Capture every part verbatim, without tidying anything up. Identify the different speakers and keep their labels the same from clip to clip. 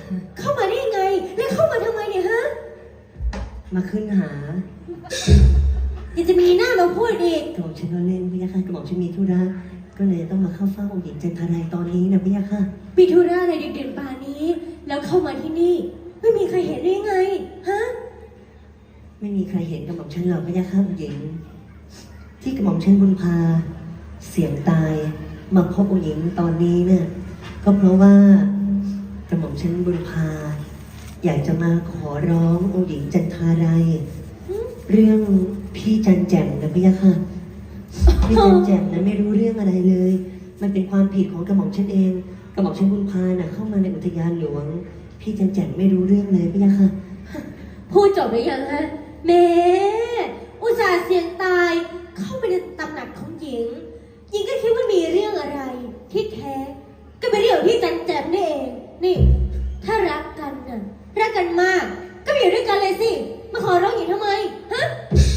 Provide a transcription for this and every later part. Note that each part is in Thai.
Speaker 1: เข้ามาได้ยังไงแล้วเข้ามาทำไมเนี่ยฮะ
Speaker 2: มาขึ้นหา
Speaker 1: ยังจะมีหน้ามาพูดอีก
Speaker 2: กระหม่อมฉันก็เล่นพี่ยาค่ะกระหม่อมฉันมีธุระก็เลยต้องมาเข้าเฝ้าองค์หญิงจันทรายตอนนี้นะพี่ยาค่ะ
Speaker 1: มีธุระอะไรดึกๆป่านนี้แล้วเข้ามาที่นี่ไม่มีใครเห็นได้ยังไงฮะ
Speaker 2: ไม่มีใครเห็นกระหม่อมฉันหรอกพี่ยาค่ะองค์หญิงที่กระหม่อมฉันบุญพาเสี่ยงตายมาพบองค์หญิงตอนนี้เนี่ยก็เพราะว่ากระหม่อมฉันบุญพาอยากจะมาขอร้ององค์หญิงจันทรายเรื่องพี่จันแจ่มนะพี่ยะค่ะพี่จันแจ่มนะไม่รู้เรื่องอะไรเลยมันเป็นความผิดของกระหม่อมฉันเองกระหม่อมฉันบุญพาน่ะเข้ามาในอุทยานหลวงพี่จันแจ่มไม่รู้เรื่องเลยพี่ยะค่ะ
Speaker 1: พูดจบหรือยังฮะแม่อุตส่าห์เสี่ยงตายเข้าไปในตำหนักของหญิงหญิงก็คิดว่ามีเรื่องอะไรที่แท้ก็เป็นเรื่องที่จันแจ่มนี่เองนี่ถ้ารักกันน่ะรักกันมากก็อยู่ด้วยกันเลยสิมาขอร้องหญิงทำไมฮะ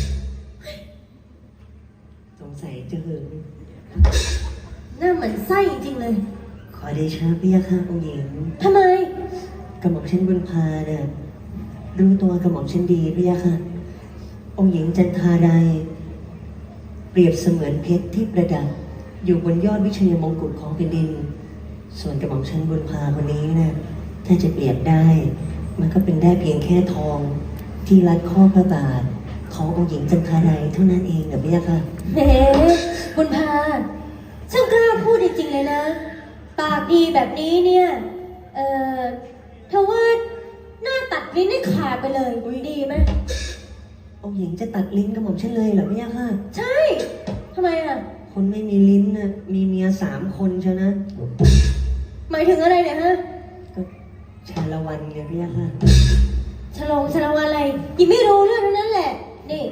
Speaker 2: สงสัยจะหึง
Speaker 1: น่าเหมือนไส้จริงๆเลย
Speaker 2: ขอเดชะพี่ยะค่ะองค์หญิง
Speaker 1: ทำไม
Speaker 2: กระหม่อมฉันบุญพาเนี่ยรู้ตัวกระหม่อมฉันดีพี่ยะค่ะองค์หญิงจันทารายเปรียบเสมือนเพชรที่ประดับอยู่บนยอดวิเชียรมงกุฎของแผ่นดินส่วนกระหม่อมฉันบุญพาคนนี้นะถ้าจะเปรียบได้มันก็เป็นได้เพียงแค่ทองที่รัดข้อพระบาทขององค์หญิงจันทารายเท่านั้นเองนะพี่ยะค่ะ
Speaker 1: เฮ้บุญพาช่างกล้าพูดจริงๆเลยนะปากดีแบบนี้เนี่ยเอ่อเธอว่าหน้าตัดลิ้นให้ขาดไปเลยดีไหม
Speaker 2: องค์หญิงจะตัดลิ้นกระหม่อมฉันเลยเหรอพี่ยะค่ะ
Speaker 1: ใช่ทำไมอ่ะ
Speaker 2: คนไม่มีลิ้นนะมีเมียสามคนใช่นะ
Speaker 1: หมายถึงอะไรเนี่ยฮะ
Speaker 2: ก็ชาละวันไงพี่ยะค่ะ
Speaker 1: ฉลองฉลองอะไรยิ่งไม่รู้เรื่องนั้นแหละนี่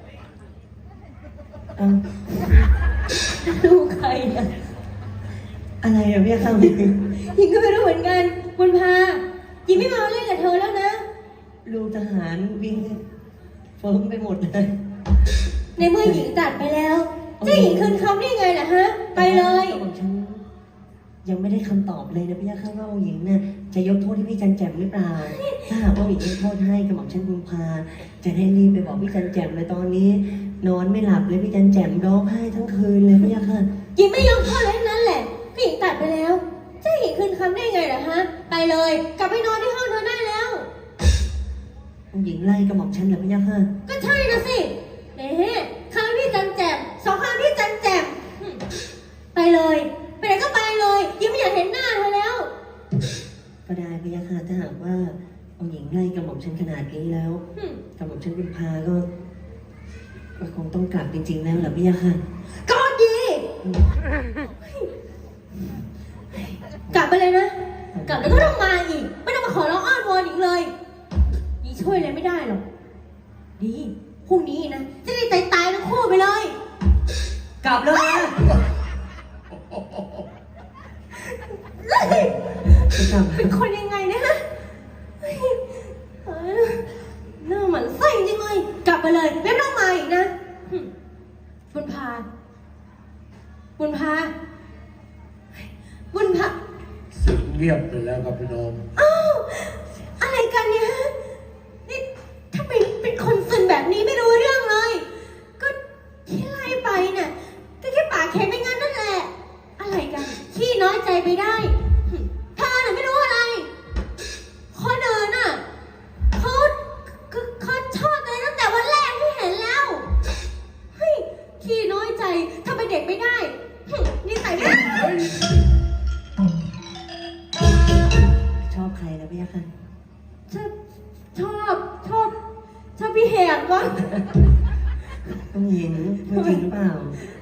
Speaker 1: ลูกใครอะ
Speaker 2: อะไรอะพี่ยะค่ะ
Speaker 1: ยิ่งก็ไม่รู้เหมือนกันบุญพายิ่งไม่มาเล่นกับเธอแล้วนะ
Speaker 2: ลูกทหารวิ่งเฟิร์มไปหมดเลย
Speaker 1: ในเมื่อหญิงตัดไปแล้วจะหญิงคืนคำได้ไงล่ะฮะไปเลย
Speaker 2: ยังไม่ได้คำตอบเลยนะพี่ยะค่ะว่าองค์หญิงเนี่ยจะยกโทษให้พี่จันแจ่มหรือเปล่าถ้าหากว่าองค์หญิงยกโทษให้กระหม่อมฉันบุญพาจะได้รีบไปบอกพี่จันแจ่มเลยตอนนี้นอนไม่หลับเลยพี่จันแจ่มร้องไห้ทั้งคืนเลยพี่ยะค่ะ
Speaker 1: หญิงไม่ยกโทษเลยนั้นแหละก็หญิงตัดไปแล้วจะหญิงคืนคำได้ไงล่ะฮะไปเลยกลับไปนอนที่ห้องเธอได้แล้ว
Speaker 2: องค์หญิงไล่กระหม่อมฉันเหรอพี่ยะค่ะ
Speaker 1: ก็ใช่นะสิเอ๊ะครั้งพี่จันแจ่มสองครั้งพี่จันแจ่มไปเลยไปไหนก็ไปเลยยิ่งไม่อยากเห็นหน้าเธอแล้ว
Speaker 2: ก็ได้พี่ยะค่ะถ้าหากว่าองค์หญิงไล่กระหม่อมฉันขนาดนี้แล้วกระหม่อมฉันบุญพาก็ก็คงต้องกลับจริงๆแล้วเหรอพี่ยะค่ะ
Speaker 1: ก็ดีกลับไปเลยนะกลับแล้วก็ต้องมาอีกไม่ต้องมาขอร้องอ้อนวอนอีกเลยยิ่งช่วยอะไรไม่ได้หรอกดีพรุ่งนี้นะจะได้ตายตายทั้งคู่ไปเลย
Speaker 2: กลับเลยนะ
Speaker 1: เป็นคนยังไงเนี่ยฮะหน้าเหมือนไส้จริงเลยกลับไปเลยไม่ต้องมาอีกนะบุญพาบุญพาบุญพา
Speaker 3: เสียงเงียบไปแล้วครับพี่น้อง
Speaker 1: อ้าวอะไรกันเนี่ยฮะนี่ถ้าเป็นเป็นคนซึนแบบนี้ไม่รู้เรื่องเลยก็ที่ไล่ไปเนี่ยก็แค่ปากแข็งไม่งั้นนั่นแหละอะไรกันขี้น้อยใจไปได้เธอน่ะไม่รู้อะไรคนอื่นน่ะเขาเขาชอบอะไรตั้งแต่วันแรกที่เห็นแล้วเฮ้ยขี้น้อยใจทำไมเด็กไม่ได้นี่ใส่ไม่ได้
Speaker 2: ชอบใครนะพี่ยะค่ะ
Speaker 1: ชอบชอบชอบชอบพี่แหกวะ
Speaker 2: ต้องหญิงจริงหรือเปล่า